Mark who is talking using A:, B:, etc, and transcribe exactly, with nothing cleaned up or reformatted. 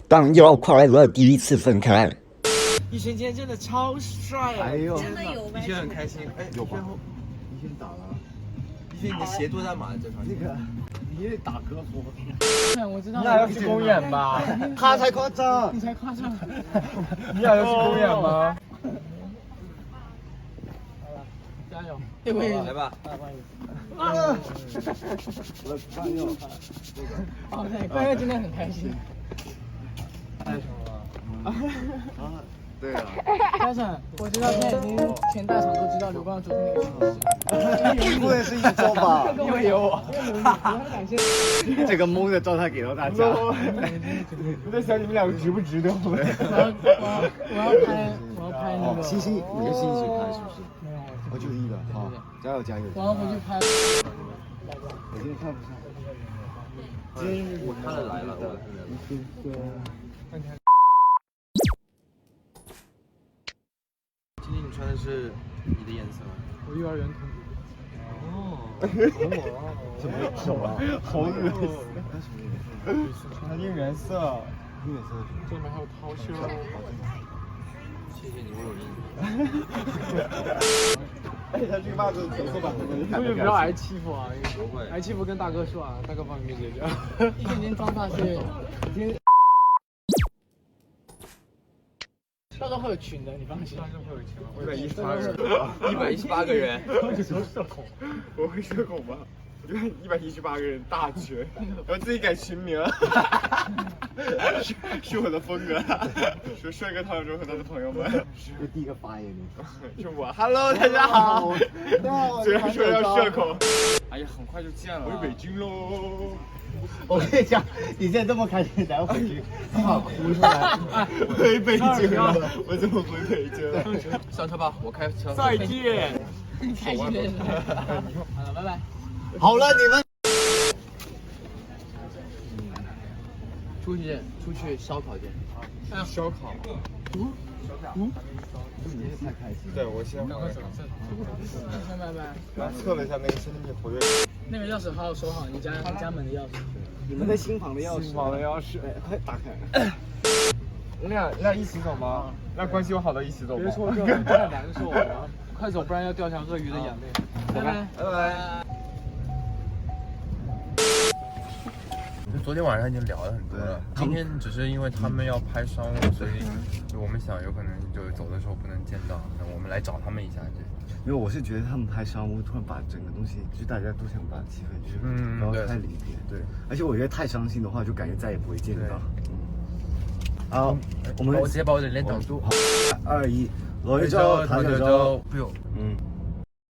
A: 当要快乐第一次分开。
B: 逸轩今天真的超帅啊！
C: 哎呦，
D: 真的有吗？
B: 逸轩很开心。哎，
C: 有吧
B: 逸轩后
C: 你先打了，
B: 逸轩，你的鞋多大码？这双
C: 那个你也打歌服，
E: 我知道。
B: 你俩要去公园吧？
C: 他才夸张，
E: 你才夸张。
B: 你俩要去公园吗？
E: 加油！对不对？
B: 来吧。
C: 啊！我的朋友，
E: 哦，对，关哥今天很开心。
B: 太爽了！
C: 啊，对啊，
E: 嘉诚，我知道现在已经全大场都知道刘光昨天那个情绪。
C: 不会是一周吧？
E: 因为有我，因为有你，我很感谢。
C: 这个懵的状态给到大家。
B: 我在想你们两个值不值得？我
E: 我要我要我要拍我要拍那个。
C: 星星，你跟星星一起拍是不是？
E: 没有，
C: 哦，就一个，好，加油加油！
E: 我要回去拍。
C: 我今天看不上。
B: 我看了来了，今天你穿的是你的颜色吗？
E: 我幼儿园同学。
B: 哦，
C: 什么什么？好恶心！
B: 它应原色。
C: 应援色。
E: 这里面还有涛秀。
B: 谢谢你为我印。
C: 哎，他这个袜子橙色版的，
E: 同学不要挨欺负啊！
B: 不会
E: 挨欺负跟大哥说啊，大哥帮你们解决。一今天妆发是，今天。到时候会有群的，你放心。
B: 一百一十八个人，一百一十八个人。
C: 这时候社恐，我会社恐吗？我觉得一百一十八个人大群，然后自己改群名，是是我的风格。说帅哥唐永忠和他的朋友们，是第一个发言的，是我。Hello， 大家好。虽然说要社恐，
B: 哎呀，很快就见了。
C: 回北京喽！我跟你讲，你现在这么开心，然后回去，他把哭出来。回北京了，我怎么回北京了？
B: 上车吧，我开车。
E: 再见。开心的。好了，拜拜。
C: 好了，你们。
E: 出去出去烧烤店。
B: 烧烤。
E: 嗯嗯。
C: 你太开心。
B: 对，我先。
E: 赶快走。先拜拜。
C: 刚测了一下那个身体活跃。
E: 那个钥匙好好收好，你家你家门的钥匙。
C: 你们的新房的钥匙。
B: 新房的钥匙。
C: 哎，快打开。
B: 你俩你俩一起走吗？那关系有好的一起走吗？
E: 别说这个太难受了，快走，不然要掉下鳄鱼的眼泪。拜拜
B: 拜拜。昨天晚上已经聊了很多了，今天只是因为他们要拍商务，所以就我们想有可能就走的时候不能见到，那我们来找他们一下。
C: 因为我是觉得他们拍商务，突然把整个东西，就大家都想把气氛就是
B: 嗯
C: 不要太离别。对，而且我觉得太伤心的话，就感觉再也不会见到。嗯。好，我们
B: 我直接把我的脸挡住。
C: 二一，罗一舟，唐九洲。
B: 不用。
C: 嗯。